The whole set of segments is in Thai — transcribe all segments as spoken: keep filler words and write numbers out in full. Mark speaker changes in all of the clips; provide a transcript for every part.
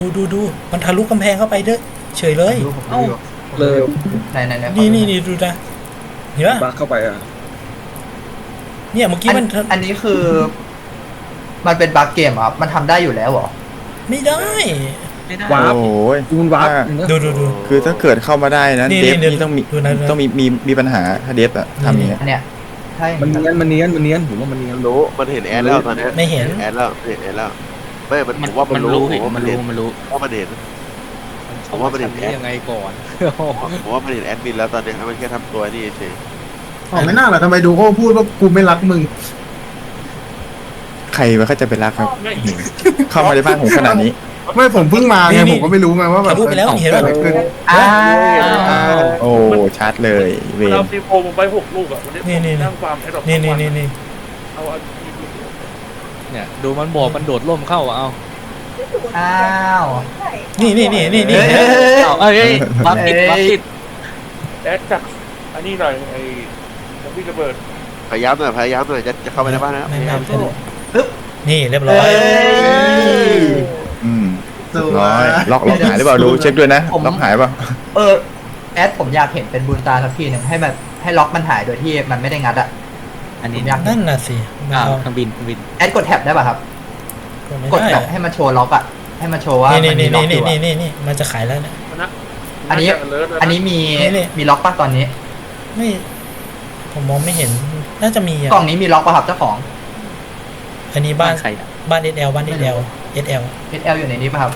Speaker 1: ดูดูดูมันทะลุกำแพงเข้าไปเด้อเฉยเลยเอ้า
Speaker 2: เลย
Speaker 3: ไหนไหนไหน
Speaker 1: นี่นี่นี่ดูนะเห็นปะ
Speaker 2: บักเข้าไปอ่ะ
Speaker 1: เนี่ยเมื่อกี้มัน
Speaker 3: อันนี้คือ มันเป็นบั๊กเกมอ่ะมันทำได้อยู่แล้วเหรอ
Speaker 1: ไม่ได้
Speaker 2: วาร์ป
Speaker 4: โอ้ย
Speaker 2: คุณวาร์ป
Speaker 1: ดูดูดู
Speaker 4: คือถ้าเกิดเข้ามาได้นะ
Speaker 1: นี่
Speaker 4: เดฟ
Speaker 1: นี่
Speaker 4: นี่ต้องมี
Speaker 1: ดูนะดูนะ
Speaker 4: ต้องมีมีมีปัญหาถ้าเดฟอะทำอย่างเงี้ย
Speaker 3: อันเนี้ยใช่
Speaker 2: มันเนียนมันเนียนมันเนียนผมว่ามันเนียน
Speaker 5: รู้มันเห็นแอดแล้วตอนนี้
Speaker 1: ไม่เห็น
Speaker 5: แอดแล้วเห็นแอดแล้วไม่มัน
Speaker 6: มัน
Speaker 5: ผมว่ามันรู้
Speaker 6: รู้
Speaker 5: ผมว่า
Speaker 6: มั
Speaker 5: มัน
Speaker 6: น
Speaker 5: เห็
Speaker 6: รู้
Speaker 5: น
Speaker 6: มันรู้
Speaker 5: ว่ามันเห็น ผมว่ามันเห็นแอด
Speaker 6: ยังไงก่อน
Speaker 5: ผมว่ามันเห็นแอดมินแล้วตอนนี้มันแค่ทำตัวนี่เฉย
Speaker 7: อ๋อไม่น่าหรอทำไมดูโอ้พูดว่ากูไม่รักมึง
Speaker 4: ใครมันก็จะไปรักครับเข้ามาในบ้านผมขนาดนี้
Speaker 7: ไม่ผมเพิ่งมาไง
Speaker 1: นี่
Speaker 7: ผมก็ไม่รู้ไงว่าแบ
Speaker 1: ทะ
Speaker 7: บ
Speaker 1: ลุไปแล้วเห็นปะ
Speaker 7: กิดอะไรขึ้น
Speaker 3: อ้าว
Speaker 4: โอ้ชัดเลยเวร
Speaker 8: เราซีโฟมไปหกลูกอ่ะวันนี้
Speaker 1: นี่นี่
Speaker 8: นั่งฟาร์มให้ดอก
Speaker 1: นี่นี่นี่นี่
Speaker 8: เอาอันนี้
Speaker 6: เนี่ยดูมันบอกมันโดดร่มเข้าอะเอา
Speaker 3: อ้าว
Speaker 1: นี่นี่นี่นี่นี่
Speaker 3: เฮ้ย
Speaker 6: เอาเอ้ยบัฟติดบัฟติด
Speaker 8: แอดจากอันนี้หน่อยไอ้น้ำพี่ระเบิด
Speaker 5: ๆพยายามหน่อยพยายามหน่อยจะจะเข้าไปในบ้านแล้ว
Speaker 1: ไม่
Speaker 5: พยายาม
Speaker 1: ไม่ไม่นี่เรียบร้อย
Speaker 4: อืม
Speaker 7: สวย
Speaker 4: ร้อยล็อกล็อกหายหรือเปล่าดูเช็คด้วยนะล็อกหายเปล่า
Speaker 3: เออแอดผมอยากเห็นเป็นบุญตาสักทีหนึ่งให้แบบให้ล็อกมันหายโดยที่มันไม่ได้งัดอ่ะ
Speaker 6: อันนี้
Speaker 3: ผมอยาก
Speaker 1: นั่นน่ะสิมัน
Speaker 6: อ้าว
Speaker 1: เอา
Speaker 6: เครื่องบินเครื่องบิน
Speaker 3: แอดกดแท็บได้ป่ะครับ
Speaker 1: กดไม่
Speaker 3: กด
Speaker 1: ได้
Speaker 3: แท็บให้มันโชว์ล็อกอ่ะให้มันโชว์ว่า
Speaker 1: นี่
Speaker 3: มัน
Speaker 1: นี่
Speaker 3: มีล็อกอ
Speaker 1: นี่
Speaker 3: ยู่
Speaker 1: นี่
Speaker 3: อะ
Speaker 1: นี่นี่มันจะขายแล้วเนี่ย
Speaker 8: มันนะ
Speaker 3: อันนี้
Speaker 8: าจะ alert แล้วะ
Speaker 3: อันนี้มี
Speaker 1: นี่นี่
Speaker 3: มีล็อกป่ะตอนนี้
Speaker 1: ไม่ผมมองไม่เห็นน่าจะมีอ่ะ
Speaker 3: กล่องนี้มีล็อกป่ะครับเจ้าของ
Speaker 1: อันนี้บ้าน
Speaker 6: ใครอะ
Speaker 1: บ้านเอสแอลบ้านเอสแอลเอสแอล
Speaker 3: เอสแอลอยู่ในนี้ป่ะครับ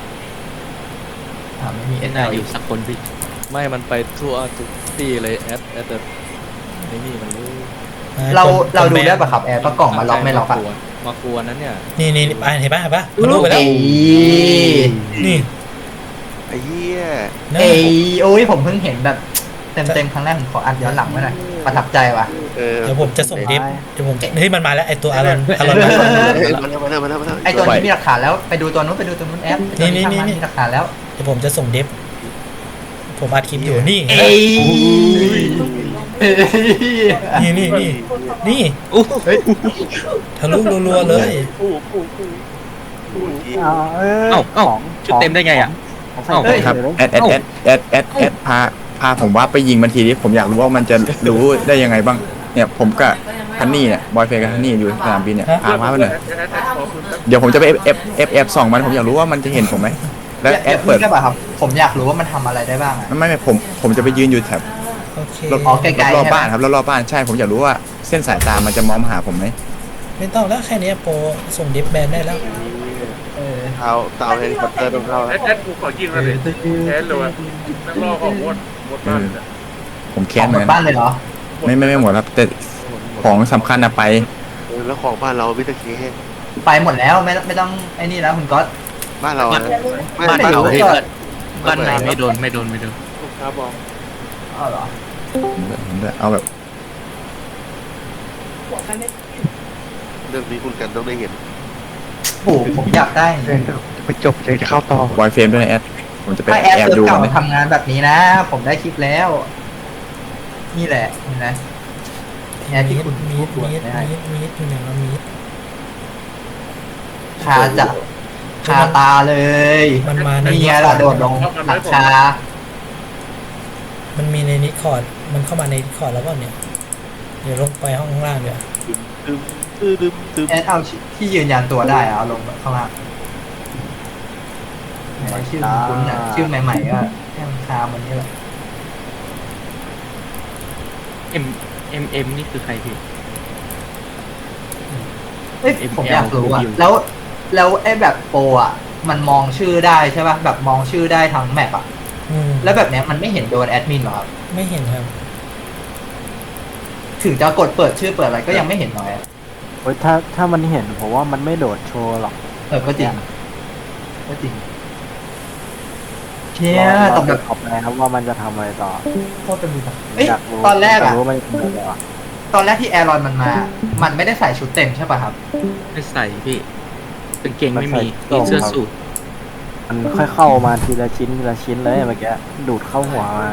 Speaker 3: อ่าไม่มีเอสแอ
Speaker 6: น่า
Speaker 3: ล
Speaker 6: อยู่สักคนพี่ ไม่มันไปทั่วทุกที่เลยแอดแอดแต่ไอ้นี่มันรู้
Speaker 3: เราเราดูได้ป่ะครับแอดว่ากล่องมันล็อกไม่ล็อกอ่ะ
Speaker 6: มากลัวนั้นเนี่ย
Speaker 1: นี่นี่นี่อ่ะเห็นปะเห็นปะมันรู้ไปแล้ว
Speaker 3: เอ้ย
Speaker 1: นี่
Speaker 5: ไอ้เหี้ย
Speaker 1: นะ
Speaker 3: เอ้ยโอ้ยผมเพิ่งเห็นแบบเต็มเต็มๆครั้งแรกผมขออัดย้อนหลังไว้หน่อยประทับใจว่ะ
Speaker 5: เออ
Speaker 1: เดี๋ยวผมจะส่งดิฟเดี๋ยวผมจะเฮ้ยมันมาแล้วไอตัวอารอนอารอน
Speaker 5: เอ้ยมาแล้วมาแล้วมาแล้วมาแล้ว
Speaker 3: ไอตัวนี้มีหลักฐานแล้วไปดูตัวนู้นไปดูตัวนู้นแอปไอ้ตัว
Speaker 1: นี่นี่
Speaker 3: ช่างมั
Speaker 1: นี่
Speaker 3: มีหลักฐานแล้ว
Speaker 1: เดี๋ยวผมจะส่งดิฟผมอัดคลิปอยู่นี่
Speaker 3: เอ้ยเอ้ย
Speaker 1: นี่นี่นี่นี่
Speaker 6: อู้
Speaker 1: ทะลุรัวๆเลย
Speaker 8: กู้กู้กู้กู้
Speaker 6: เอ้าเอ้าชุดเต็มได้ไงอ่ะเอ้า
Speaker 4: ครับแอดแอดแอดแอดแอดแอดพาพาผมว่าไปยิงมันทีนี้ผมอยากรู้ว่ามันจะรู้ได้ยังไงบ้างเนี่ยผมกับฮันนี่เนี่ยบอยเฟย์กับฮันนี่อยู่สนามบินเนี่ยพามาไปหน่อย
Speaker 8: แอดแอดแอดขอคุณแป๊บ
Speaker 4: เดี๋ยวผมจะไปเอฟเอฟเอฟเอฟส่องมันผมอยากรู้ว่ามันจะเห็นผมไหมแล้วแอ
Speaker 3: แอ
Speaker 4: ด
Speaker 3: ป
Speaker 4: เปิ
Speaker 3: เปิ
Speaker 4: ด
Speaker 3: ดได้ป่ะครับ ผมอยากรู้ว่ามันทำอะไรได้บ้างอะ
Speaker 4: ไม่ไม่ผมผมจะไปยืนอยู่แถบ
Speaker 1: โอเค
Speaker 4: รอบ
Speaker 3: อ๋อไกลๆ
Speaker 4: รอบ
Speaker 3: ใช่ไหม
Speaker 4: บ้านครับรอบๆบ้านใช่ผมอยากรู้ว่าเส้นสายตามันจะมองมาหาผมไหม
Speaker 1: ไม่ต้องแล้วแค่นี้โปรส่งดิฟแบนได้แล้ว
Speaker 3: เออ
Speaker 5: เท้าเท้าเฮลิคอปเตอร์ต้องเข้า
Speaker 8: แอ
Speaker 5: แล้ว
Speaker 8: ดแอดกูขอยิงแล้วเลยแอดเลยวะนักล่อของวดวดบ้านเนี่ย
Speaker 4: ผม
Speaker 3: ข
Speaker 4: แค้
Speaker 3: อน ง
Speaker 4: เห
Speaker 3: หม
Speaker 4: มือ
Speaker 3: ด
Speaker 4: น
Speaker 3: บ้านเลยเหรอ
Speaker 4: ไม่ไม่ไม่หมดครับแต่ของสำคัญนะไป
Speaker 5: เออแล้วของบ้านเรามิสเตอร์เค
Speaker 3: ไปหมดแล้วไม่ไม่ต้องไอ้นี่แล้วคุณก๊อต
Speaker 5: บ้านเรานะไม่
Speaker 6: บ้าน
Speaker 5: บ้าน
Speaker 6: เรา
Speaker 5: เรา
Speaker 6: พี่
Speaker 5: เ
Speaker 6: บ้านไหนไม่โดนไม่โดนไม่โดน
Speaker 8: ลูกค้าบอก
Speaker 3: อ้าวเหรอ
Speaker 4: ผมจะเอาแบบ
Speaker 5: รื่องนี้คุณกันต้องได้เห็น
Speaker 3: โอ้โหผมอยากได้
Speaker 2: ไปจบเลยจะเข้าต่อบ
Speaker 4: อยเฟรมด้วยนะแอดผมจะไป
Speaker 3: ถ้าแอป
Speaker 4: แอบ
Speaker 3: เซิร์
Speaker 4: ดู
Speaker 3: ฟเก่า
Speaker 4: มั
Speaker 3: มาน ทำงานแบบนี้นะ ผมได้คลิปแล้ว นี่แหละเห็นไหมเนี่ยที่
Speaker 1: มีด
Speaker 3: คุณ
Speaker 1: มี
Speaker 3: พู
Speaker 1: ด
Speaker 3: ด
Speaker 1: มีด
Speaker 3: ได้
Speaker 1: มีดมีดอยู่ไหนวะมีด
Speaker 3: คาจะคาตาเลย
Speaker 1: มันมาใน
Speaker 3: นี่ไงล่ะโดดลงหลังคา
Speaker 1: มันมีในนิคอร์ดมันเข้ามาในนิคอร์ดแล้วก็เนี่ยเดี๋ยวลงไปห้องข้างล่างเดี๋ยว
Speaker 5: ตึมตึมตึมตึม
Speaker 3: แอดเอาที่ยืนยันตัวได้อะเอาลงข้างล่างไหนชื่อคุ้นๆอ่ะชื่อใหม่ๆก็แค่คามันนี่แหละ
Speaker 6: เอ็มเอ็มเอ็มนี่คือใครพี่
Speaker 3: เอ้ย
Speaker 6: เอ็ม
Speaker 3: ผมอยากรู้อ่ะ
Speaker 6: แอล
Speaker 3: แล้วแล้วไอ้แบบโปรอ่ะ มันมองชื่อได้ใช่ป่ะแบบมองชื่อได้ทั้งแมปอ่ะ
Speaker 1: อืม
Speaker 3: แล้วแบบเนี้ยมันไม่เห็นโดนแอดมินหรอครับ
Speaker 1: ไม่เห็นครับ
Speaker 3: ถึงจะกดเปิดชื่อเปิดอะไรก็ยังไม่เห็นหน่อยอะ
Speaker 9: โอ้ยถ้าถ้ามันเห็นผมว่ามันไม่โดดโชว์หรอก
Speaker 3: เออก็จริงก็จริงเชี่ย
Speaker 9: ร
Speaker 3: ตบ
Speaker 9: อ
Speaker 3: แบบ
Speaker 9: ขอบนะครับว่ามันจะทำอะไรต่อ
Speaker 3: โคตรเป็นมือเอ้ย
Speaker 9: อยากรู้
Speaker 3: ตอนแรก
Speaker 9: ยา
Speaker 3: อ่ะ
Speaker 9: รู้ว่ามันจะทำอะไรต่อ
Speaker 3: ตอนแรกที่แอรอนมันมา มันไม่ได้ใส่ชุดเต็มใช่ป่ะครับ
Speaker 6: ไม่ใส่พี่เป็นเกงไม่มีมีเสื้อสูท
Speaker 9: มันค่อยเข้ามาทีละชิ้นทีละชิ้นเลยเมื่อกี้ดูดเข้าหัวมา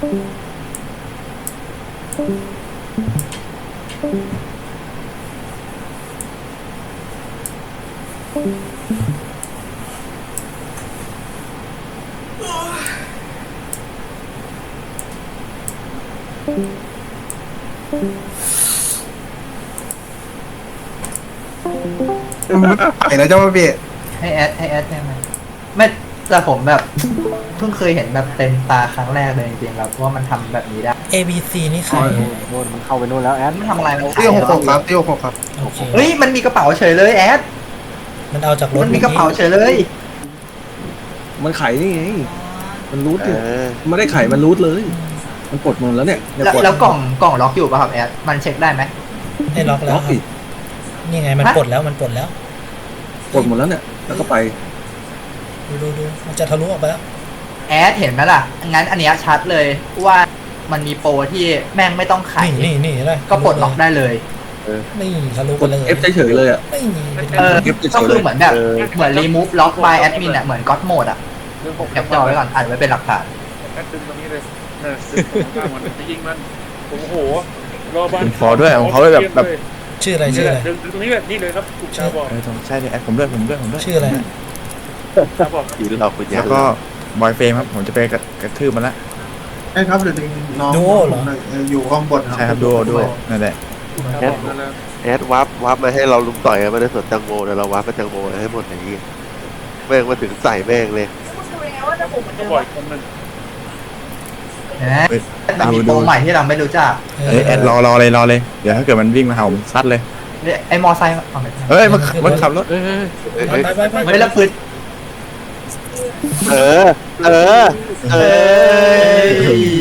Speaker 7: ไอ้นะเจ้าพี่
Speaker 3: ให้แอดให้แอดได้ไหมไม่แต่ผมแบบเพิ่งเคยเห็นแบบเต็มตาครั้งแรกเลยจริงๆแบบว่ามันทำแบบนี้ได้
Speaker 1: A B C นี่ใคร
Speaker 9: โน่นมันเข้าไปนู่นแล้วแอด
Speaker 3: มันทำอะไรมัน
Speaker 7: เตี้ยวหกหกครับเตี้ยวหกครับ
Speaker 1: โอเค
Speaker 3: เฮ้ยมันมีกระเป๋าเฉยเลยแอด
Speaker 1: มันเอาจากรถ
Speaker 3: มันมีกระเป๋าเฉยเลย
Speaker 2: มันไขนี่ไงมันรูท
Speaker 5: เอ
Speaker 2: อยู่
Speaker 5: อ
Speaker 2: มันไม่ได้ไขมันรูทเลย มันกดมันแล้วเนี่ยเนี่ย
Speaker 3: แล้ว
Speaker 2: กด
Speaker 3: แล้วกล่องกล่องล็อกอยู่ป่ะครับแอดมันเช็คได้ไหม
Speaker 1: ได้ล็อกแล้ว
Speaker 2: ล็อก
Speaker 1: ครั
Speaker 2: อี
Speaker 1: บ
Speaker 2: ก
Speaker 1: นี่ไงมัน
Speaker 3: ฮะ
Speaker 1: ปลดแล้วมันปลดแล้ว
Speaker 2: กดหมดแล้วเนี่ยแล้วก็ไป
Speaker 1: ดูดูดูมันจะทะลุออกไปแล้ว
Speaker 3: แอดเห็นไหมล่ะงั้นอันเนี้ยชัดเลยว่ามันมีโปรที่แม่งไม่ต้องไข
Speaker 1: นี่นี่นี่เลย
Speaker 3: ก็ปลดล็อกได้เลย
Speaker 1: นี่ทะลุ
Speaker 2: ก
Speaker 1: ไป
Speaker 2: ด
Speaker 1: เลย
Speaker 2: F เฉยๆเลยอ่ะ
Speaker 1: ไม่มี
Speaker 3: เออ
Speaker 2: เก็บเฉยๆ
Speaker 3: ก็คือเหมือนแบบ
Speaker 5: เออ
Speaker 3: เหมือน remove lock by admin อะเหมือน God mode อะแคปจอไว้ก่อนอัดไว้เป็นหลักฐาน
Speaker 8: แอดดึงตรงนี้เลยเออดึงตรงข้างมันจะยิงมันโอ้โหรอบ้าน
Speaker 4: ขอด้วยของเขาด้วยแบบแบบ
Speaker 1: ชื่ออะไร
Speaker 8: นี่
Speaker 1: ชื่อ
Speaker 8: แห
Speaker 1: อะไร
Speaker 8: ละดึงดึงตรงนี้เลยนี่เลยครับคุณชาบอก
Speaker 4: เออต้องใช่เลยแอดผมด้วยผมด้วยผมด้วย
Speaker 1: ชื่ออะไร
Speaker 8: ชาบอก
Speaker 5: ผีหลอกคุณยา
Speaker 4: แล้วก็บอยเฟรมครับผมจะไปกระกระทืบมันละ
Speaker 7: ไอ้ครับเดี๋ยวดึงน้อง
Speaker 1: ดูโอเหรอ
Speaker 7: อยู่ห้องบน
Speaker 4: ใช่ครับดูดูนั่นแหละ
Speaker 8: ชาบอกนั่นแหละ
Speaker 5: แอดวับวับมาให้เราลุมต่อยกันไม่ได้สนแตังโมแต่เราวับไปแตังโมให้หมดอย่างนี้แม่งมาถึงใส่แม่งเลย
Speaker 8: เขาบอกอีกคนนึง
Speaker 3: เห็นไหมมันมีโปรใหม่ที่เราไม่รู้จัก
Speaker 1: เอ
Speaker 4: เอ้ยแอดรอรอเลยรอเลยเดี๋ยวถ้าเกิดมันวิ่งมาเห่าผมซัดเลย
Speaker 3: เนี่ยไอ้มอไซค์เอาไป
Speaker 4: เฮ้ยมันมันขับรถ
Speaker 6: เฮ้ยเฮ้ยเฮ้ย
Speaker 1: ไปไปไปไป
Speaker 3: ไม่แล้วปืน
Speaker 5: เออ เออ เอ
Speaker 3: เอ้
Speaker 5: อ
Speaker 3: ย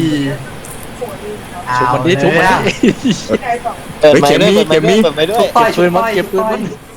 Speaker 6: ชุบมันดิชุบมันดิ
Speaker 4: เฮ้ยเข็มมีเข็มมี
Speaker 3: ทุกต้อย
Speaker 6: เก็บปืนมัน
Speaker 3: ทุกต้อย
Speaker 6: เก็บปืนมัน
Speaker 3: ทุกต้อย